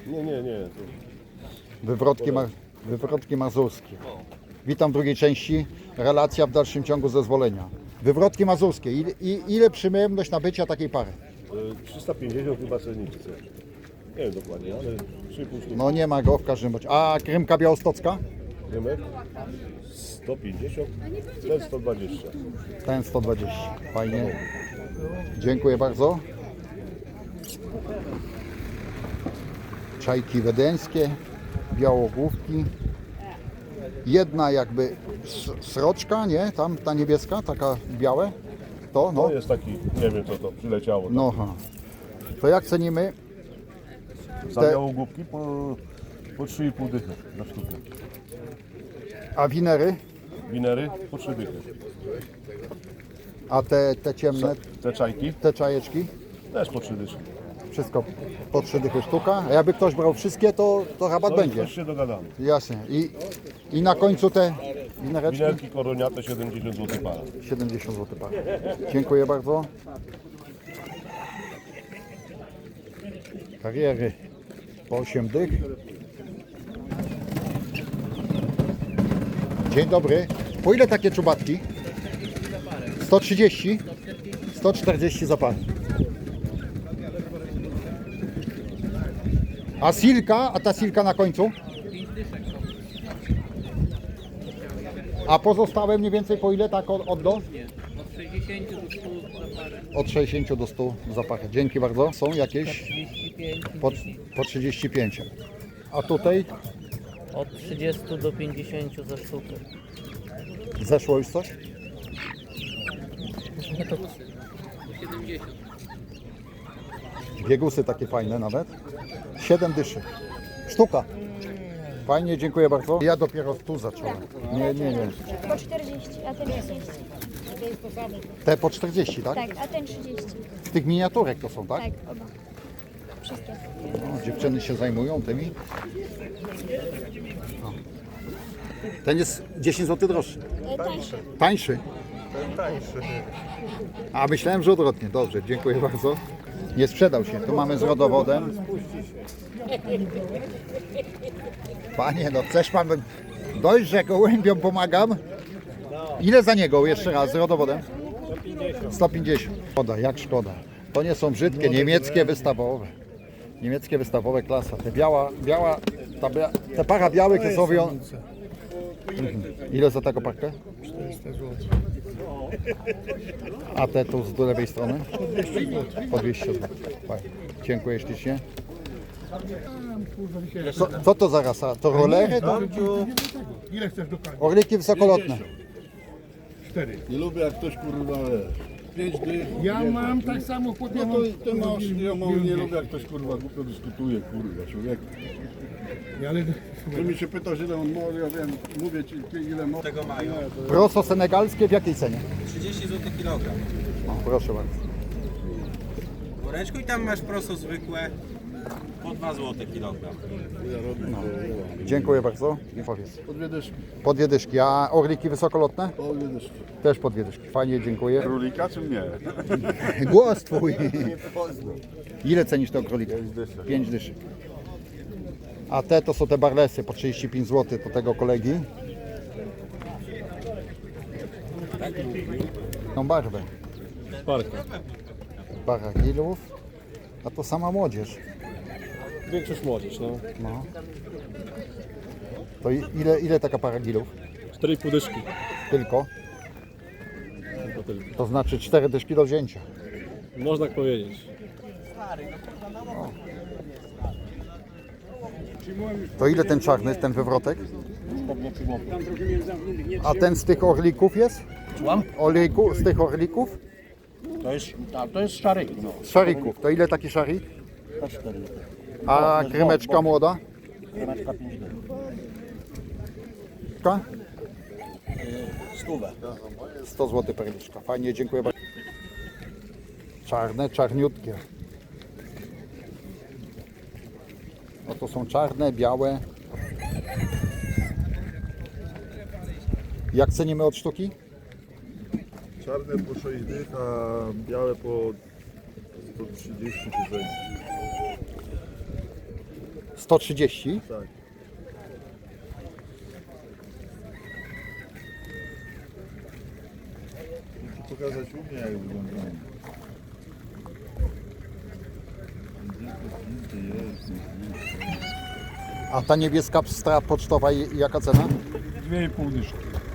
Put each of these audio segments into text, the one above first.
Nie. Wywrotki mazurskie. Witam w drugiej części. Relacja w dalszym ciągu zezwolenia. Wywrotki mazurskie. Ile przyjemność nabycia takiej pary? 350 chyba cennik chce. Nie wiem dokładnie, ale 3,5 sztuki. No nie ma go w każdym razie. A krymka białostocka? Rymek 150, ten 120. Ten 120. Fajnie. Dziękuję bardzo. Czajki wiedeńskie, białogłówki. Jedna jakby sroczka, nie? Tam ta niebieska, taka białe. To, no. To jest taki, nie wiem co to, przyleciało. Tak. No, ha. To jak cenimy? Za białogłówki po 3,5 dychy na sztukę. A winery? Winery po 3 dychy. A te ciemne, Te czajki te czajeczki? też po 3 dychy. Wszystko po 3 dychy sztuka. A jakby ktoś brał wszystkie, to rabat No będzie. już się dogadamy. Jasne. I na końcu te winereczki? Winerki koroniate 70 zł para. 70 zł para. Dziękuję bardzo. Kariery po 8 dych. Dzień dobry. Po ile takie czubatki? 130? 140 za parę. A silka? A ta silka na końcu? A pozostałe mniej więcej po ile tak od do? Od 60 do 100 za parę. Dzięki bardzo. Są jakieś? Po 35. A tutaj Od 30 do 50 za sztukę. zeszło już coś? Biegusy takie fajne nawet. 7 dyszy. Sztuka. Fajnie, dziękuję bardzo. Ja dopiero tu zacząłem. Nie. Po 40, a ten 30. Te po 40, tak? Tak, a ten 30. Z tych miniaturek to są, tak? Tak, oba. Wszystkie. No, dziewczyny się zajmują tymi. O. Ten jest 10 zł droższy. Tańsze. Tańszy? A myślałem, że odwrotnie. Dobrze, dziękuję bardzo. Nie sprzedał się. Tu mamy z rodowodem. Panie, no chcesz pan dość, że gołębiom pomagam? Ile za niego jeszcze raz z rodowodem? 150. Szkoda, jak szkoda. To nie są brzydkie, niemieckie wystawowe. Niemieckie wystawowe klasa. Te te para białych to są Ile za taką parkę? 400 zł. A te tu z lewej strony? Po 200 zł. Fajnie. Dziękuję ślicznie. Co to za rasa? To rolery? To Ile chcesz do końca? orliki wysokolotne. 4. Nie lubię jak ktoś kurwa wiesz. 5 dych. Ja mam tak samo po No to ty masz, nie lubię jak ktoś kurwa głupio dyskutuje, kurwa człowiek. Ale Ty mi się pytasz ile on może, ja wiem, mówię ci ile może. Tego mają. Proso senegalskie w jakiej cenie? 30 zł kilogram. O, proszę bardzo. Woreczku i tam masz proso zwykłe po 2 zł kilogram. Dziękuję bardzo. I powiedz. Po 2 dyszki. Po 2 dyszki. A orliki wysokolotne? Po 2 dyszki. Też po 2 dyszki. Fajnie, dziękuję. Królika czy mnie? Głos twój. Ile cenisz te króliki? 5 dyszek. A te to są te barlesy po 35 zł do tego kolegi. Tą barwę. Para gilów. A to sama młodzież. Większość młodzież, no. No. To ile taka para gilów? 4,5 dyszki. Tylko? Tylko. To znaczy 4 dyszki do wzięcia. Można tak powiedzieć. To ile ten czarny, ten wywrotek? A ten z tych orlików jest? Z tych orlików? To jest szary. No. Z szarików. To ile taki szarik? To 4. A krymeczka młoda? Kremeczka 5 dych. 100 zł perliczka. Fajnie, dziękuję bardzo. Czarne, czarniutkie. No to są czarne, białe. Jak cenimy od sztuki? Czarne po 6 dych, a białe po 130 czy coś. 130. Tak. Muszę pokazać u mnie, jak wyglądają. A ta niebieska pstra pocztowa jaka cena? 2,5 dyszki.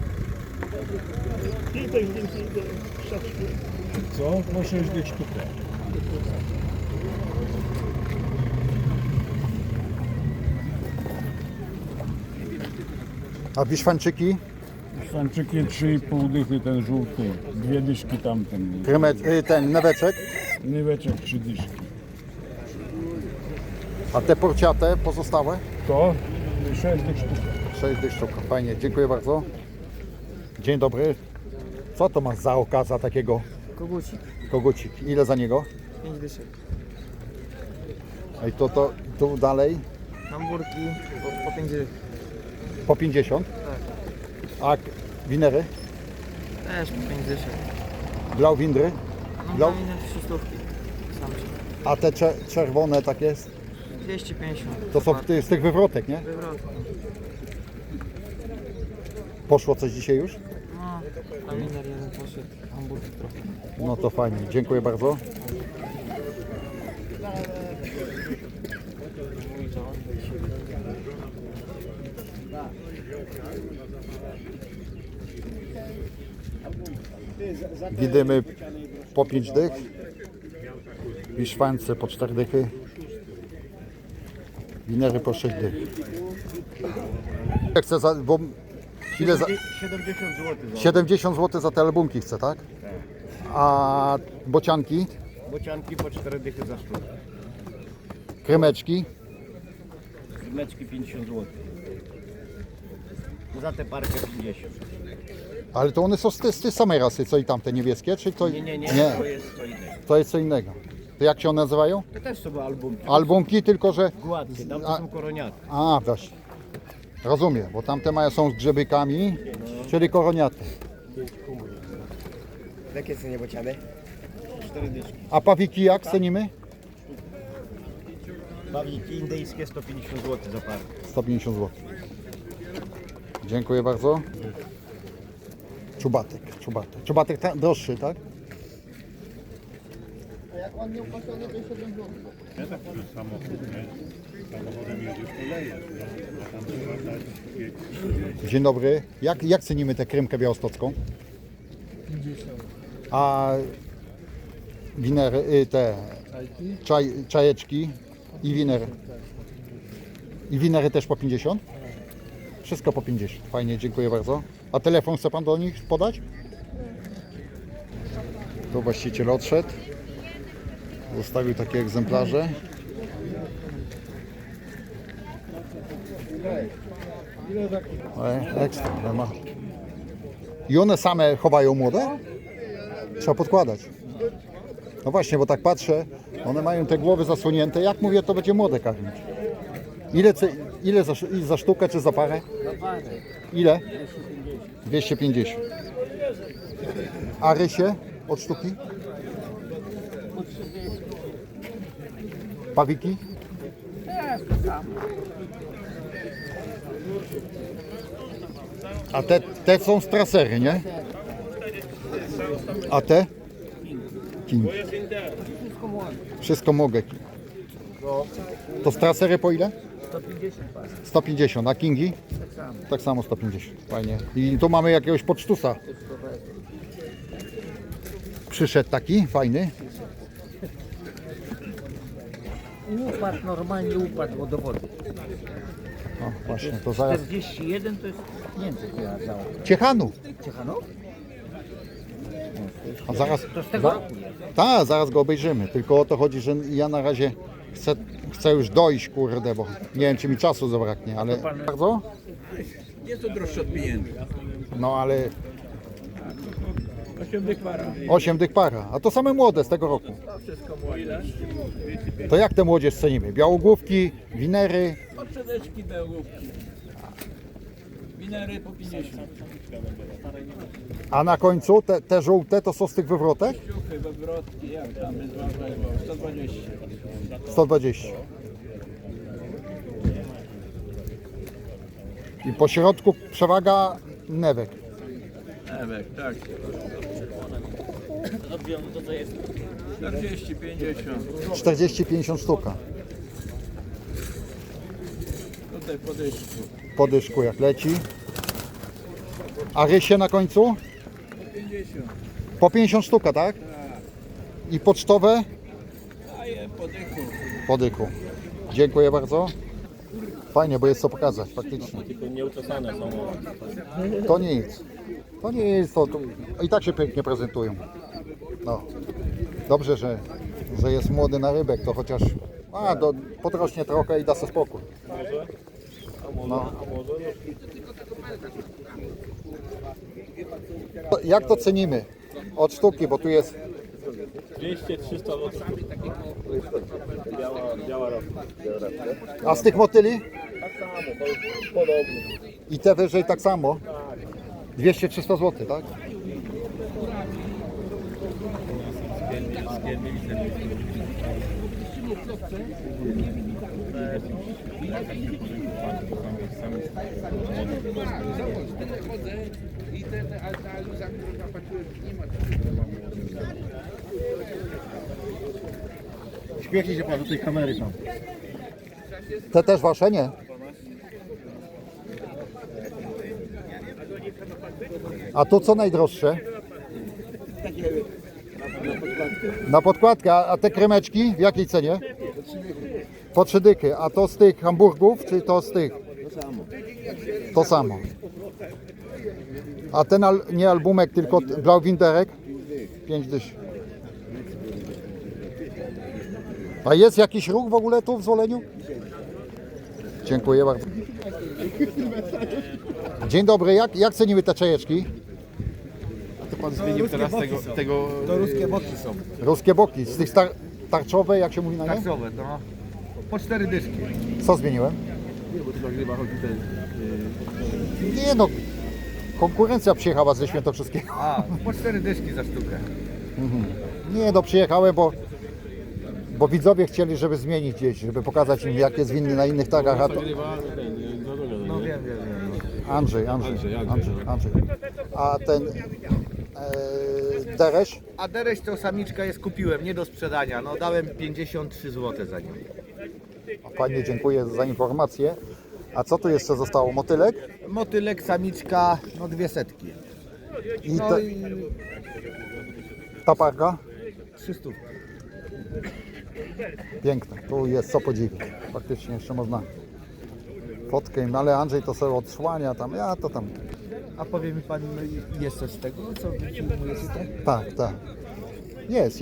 Co? No 6 dych sztuka. A wiszwańczyki? Szwanczyki 3,5 dychy, ten żółty. 2 dyszki tamten. Ten neweczek? Nyweczek 3 dyszki. A te porciate pozostałe? To 6 dych sztuka. 6 dych sztuk. Fajnie, dziękuję bardzo. Dzień dobry. Co to masz za okaza takiego? Kogucik, Kogucik. Ile za niego? 5 dyszek. I to tu dalej Hamburki po 5 dyszek. po 50. A winery? Też po 5 dyszek. Blauwindry? No Blau? na minę 300. Sam się. A te czerwone takie, 250. to są z tych wywrotek, nie? Wywrotki. Poszło coś dzisiaj już? No, a winer jeden poszedł. Hamburg trochę. No to fajnie, dziękuję bardzo. Widymy po 5 dych, wiszwańce po 4 dychy, winery po 6 dych. Chcę bo ile za, 70 zł. 70 zł za te albumki chcę, tak? A bocianki, Bocianki po 4 dychy za sztukę. krymeczki, Meczki 50 zł. Za tę parkę 50. ale to one są z tej samej rasy, co i tamte niebieskie, czy to... Nie. To jest co innego. To jest co innego. To jak się one nazywają? To też są albumki. Albumki, tylko że... Gładkie, tam to są koroniaty. A, właśnie. Rozumiem, bo tamte są z grzebykami, czyli koroniaty. W jakie cenie bociany? 4 dyszki. A pawiki jak cenimy? Bawiki indyjskie 150 zł za parkę. 150 zł. Dziękuję bardzo. Czubatek. Czubatek droższy, tak? Dzień dobry. Jak cenimy tę krymkę białostocką? 50. A winery, te czajeczki i winery. I winery też po 50? Wszystko po 50. Fajnie, dziękuję bardzo. A telefon chce Pan do nich podać? Tu właściciel odszedł. Zostawił takie egzemplarze. Ekstra, nie ma. I one same chowają młode? Trzeba podkładać. No właśnie, bo tak patrzę, one mają te głowy zasłonięte. Jak mówię, to będzie młode karmić. Ile za sztukę czy za parę? Za parę. Ile? 250. A rysie od sztuki? Pawiki? A te są strasery, nie? A te? King. Wszystko mogę. To strasery po ile? 150, a kingi? Tak samo 150, fajnie. I tu mamy jakiegoś pocztusa. Przyszedł taki, fajny. Upadł, normalnie upadł wodowody. O, właśnie, to zaraz. 41 to jest Niemcy chyba za Ciechanów. Ciechanów? A zaraz. To z tego roku jest. Tak, zaraz go obejrzymy. Tylko o to chodzi, że ja na razie chcę już dojść, kurde, bo nie wiem, czy mi czasu zabraknie, ale bardzo? Jest to droższe od pieniędzy. No ale 8 dych para. 8 dych para, a to same młode z tego roku. To jak te młodzież cenimy? Białogłówki, winery, Odszedeczki bełówki. Winery po 50. a na końcu te żółte to są z tych wywrotek? Ciuchy, wywrotki, jak tam 120. 120. I po środku przewaga newek. Ewek, tak. 40, 40-50 sztuka. Tutaj podejść. Po dyszku jak leci. A rysie na końcu? 50. Po 50 sztuka, tak? I pocztowe? Daję podychu. Po dychu. Dziękuję bardzo. Fajnie, bo jest co pokazać, faktycznie. Tylko nieuczesane są. To nic. To nie jest to. I tak się pięknie prezentują. No. Dobrze, że jest młody na rybek, to chociaż podrośnie trochę i da sobie spokój. No. Jak to cenimy? Od sztuki, bo tu jest 200-300 zł. Biała ropa. A z tych motyli? Tak samo, to podobnie. I te wyżej tak samo? 200-300 zł, tak? Śmiechnie się pan do tej kamery tam. Te też wasze, nie? A tu co najdroższe? Na podkładkę, a te kremeczki w jakiej cenie? Po 3 dychy. A to z tych hamburgów, czy to z tych? To samo. A ten nie albumek, tylko blauwinderek? 5 dysz. A jest jakiś ruch w ogóle tu w Zwoleniu? Dziękuję bardzo. Dzień dobry, jak cenimy te czajeczki? Pan zmienił teraz tego... To ruskie boki są. Ruskie boki, z tych tarczowe, jak się mówi na nie? Tarczowe, no. Po 4 dyszki. Co zmieniłem? Nie, bo tu nagrywa chodzi ten... Nie no, konkurencja przyjechała ze Świętokrzyskiego. A, po 4 dyszki za sztukę. Nie no, przyjechałem, bo widzowie chcieli, żeby zmienić gdzieś, żeby pokazać im, jak jest winny na innych targach. A to... No wiem. Andrzej. A ten deresz? A dereć to samiczka jest, kupiłem, nie do sprzedania. No dałem 53 zł za nią. Fajnie, dziękuję za informację. A co tu jeszcze zostało? Motylek? Motylek, samiczka, no 200. I No i ta parka? 300. Piękne, tu jest co podziwiać. Faktycznie jeszcze można fotkę, no ale Andrzej to sobie odsłania tam, ja to tam. A powie mi pan, jest coś z tego, co wy filmujecie? Tak. Jest.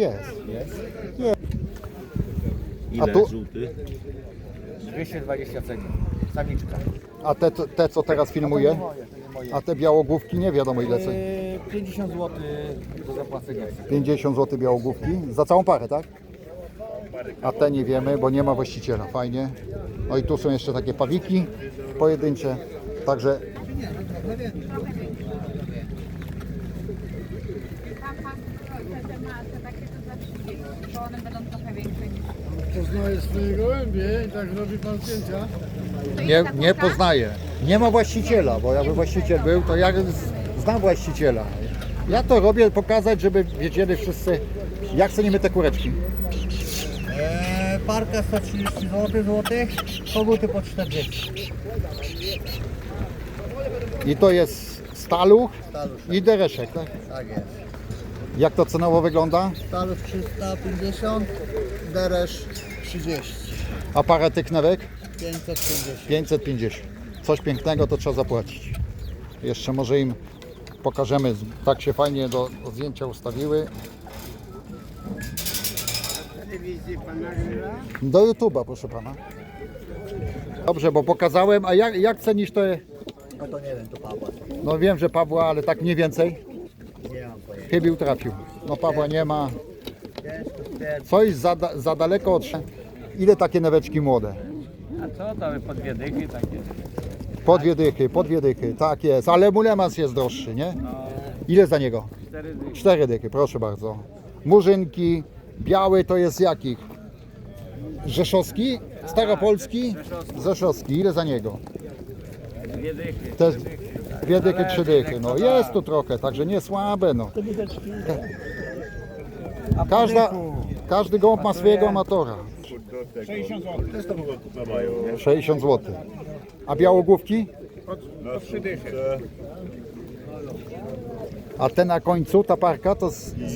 Ile A tu? żółty? 220 ceni. Samiczka. A te co teraz filmuję? A te białogłówki nie wiadomo ile ceni. 50 zł do zapłacenia. 50 zł białogłówki za całą parę, tak? A te nie wiemy, bo nie ma właściciela. Fajnie. No i tu są jeszcze takie pawiki pojedyncze. Także Poznaję swoje gołębie i tak robi pan zdjęcia. nie poznaję. Nie ma właściciela, bo jakby właściciel był, to ja znam właściciela. Ja to robię pokazać, żeby wiedzieli wszyscy, jak cenimy te kureczki. Parka 130 zł, koguty po 40. I to jest staluch i dereszek, tak? Tak jest. Jak to cenowo wygląda? Staluch 350, deresz 30, A parę tych newek? 550. 550. Coś pięknego to trzeba zapłacić. Jeszcze może im pokażemy, tak się fajnie do zdjęcia ustawiły. Do YouTube'a, proszę pana. Dobrze, bo pokazałem, a jak cenisz te? No to nie wiem, to Pawła. No wiem, że Pawła, ale tak mniej więcej. Nie mam pojęcia. Chybił trafił. No Pawła nie ma. Ciężko stwierdzić. Coś za daleko od... Ile takie neweczki młode? A co tam po 2 dychy takie? Po dwie dychy, tak jest. Ale mulemas jest droższy, nie? Ile za niego? 4 dychy. 4 dychy, proszę bardzo. Murzynki, biały to jest jakich? Rzeszowski? Staropolski? Rzeszowski. Ile za niego? Też 2 dychy, 3 dychy. No jest tu trochę, także nie słabe. No. Każdy gołąb ma swojego amatora. 60 zł. Też to mogą kupę mają, nie? 60 zł. A białogłówki? Na 3 dychy. A te na końcu, ta parka, to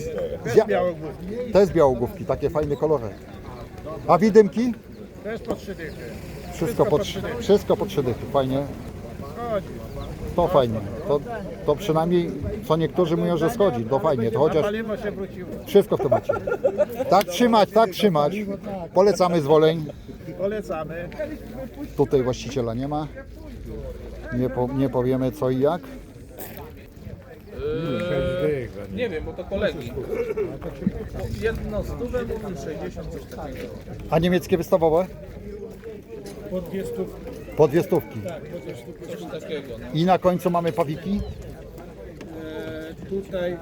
to jest białogłówki, takie fajne kolory. A widymki? Też po 3 dychy. Wszystko po 3 dychy, fajnie. To fajnie. To przynajmniej co niektórzy mówią, że schodzi. To fajnie, to chociaż Paliwo się wróciło. wszystko w temacie. Tak trzymać, tak trzymać. Polecamy Zwoleń. Polecamy. Tutaj właściciela nie ma. Nie powiemy co i jak. Nie wiem, bo to kolegi. Jedno stówę mówił 60, coś takiego. A niemieckie wystawowe? Po 200. Po 2 stówki. Coś takiego. No. I na końcu mamy pawiki. Tutaj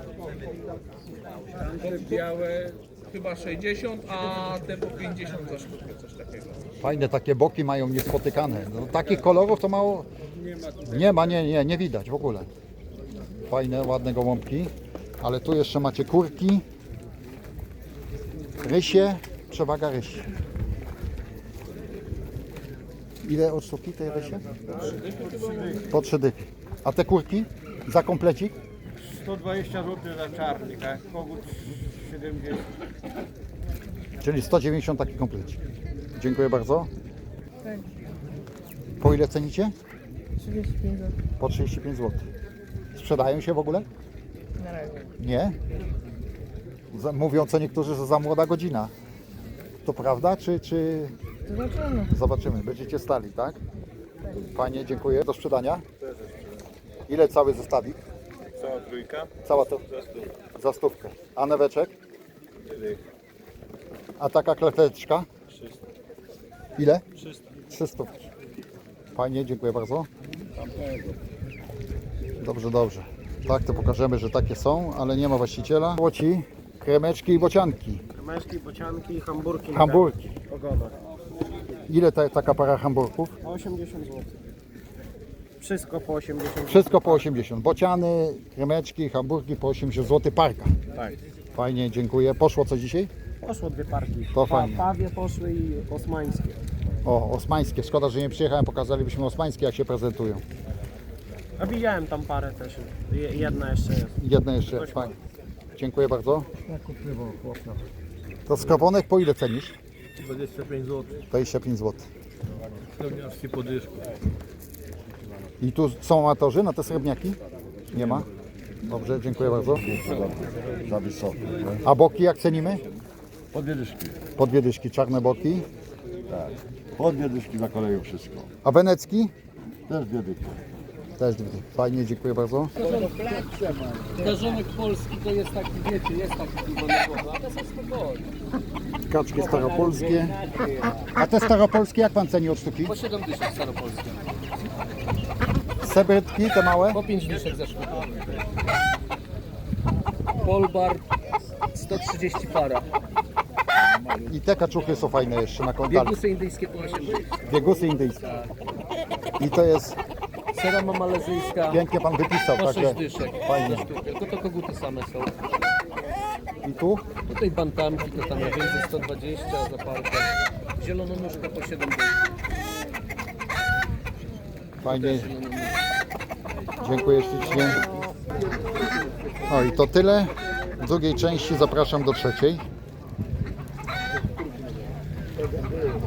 Te białe chyba 60, a te po 50 za sztukę, coś takiego. Fajne takie boki mają niespotykane. No, takich kolorów to mało. Nie widać w ogóle. Fajne, ładne gołąbki. Ale tu jeszcze macie kurki. Rysie, przewaga rysi. Ile od sztuki tej rysie? Po 3 dychy. A te kurki? Za komplecik? 120 zł za czarnych, a kogut 70. Czyli 190 taki komplecik. Dziękuję bardzo. Po ile cenicie? 35 zł. Po 35 zł. Sprzedają się w ogóle? Na razie. Nie? Mówią co niektórzy, że za młoda godzina. To prawda, czy... Zobaczymy. Zobaczymy. Będziecie stali, tak? Fajnie, dziękuję. Do sprzedania. Ile cały zestawik? Cała trójka. Cała to? Za 100. A neweczek? A taka kleteczka? Ile? 300. Fajnie, dziękuję bardzo. Dobrze. Tak, to pokażemy, że takie są, ale nie ma właściciela. Łoci, kremeczki i bocianki. Męskie bocianki i hamburki. Hamburki. Ogonach. Ile taka para hamburków? 80 zł. Wszystko po 80 zł. Wszystko po 80. Bociany, kremeczki, hamburki po 80 zł parka. Tak. Fajnie, dziękuję. Poszło co dzisiaj? Poszło 2 parki. To fajnie. Pawie poszły i osmańskie. O, osmańskie. Szkoda, że nie przyjechałem. Pokazalibyśmy osmańskie, jak się prezentują. A widziałem tam parę też. Jedna jeszcze jest. Jedne jeszcze. Fajnie. Dziękuję bardzo. To skrobonek po ile cenisz? 25 zł. 25 zł. Srebrniaczki po dyszku. I tu są amatorzy na te srebrniaki? Nie ma? Dobrze, dziękuję bardzo. Za wysoko. nie? A boki jak cenimy? Po 2 dyszki. Po 2 dyszki, czarne boki. Tak. Po 2 dyszki za koleją wszystko. A wenecki? Też 2 dyszki. Też 2 dyszki. Fajnie, dziękuję bardzo. Garzonek polski to jest taki, wiecie, jest taki piwo na głowę, a to są spokojne. Kaczki staropolskie. A te staropolskie jak pan ceni od sztuki? Po 7 dyszek staropolskie. Sebrytki, te małe? Po 5 dyszek za sztukę. Polbar 130 para. I te kaczuchy są fajne jeszcze na kontalach. Biegusy indyjskie po 8 dyszek. Biegusy indyjskie. I to jest, Serama malezyjska pięknie pan wypisał, po 6 także dyszek. fajnie. Za sztukę. Tylko to koguty same są. I tu? Tutaj bantamki to tam najwięcej 120 za parkę. Zielononuszka po 7 dyszek. Fajnie. Dziękuję ślicznie. O i to tyle. W drugiej części zapraszam do trzeciej.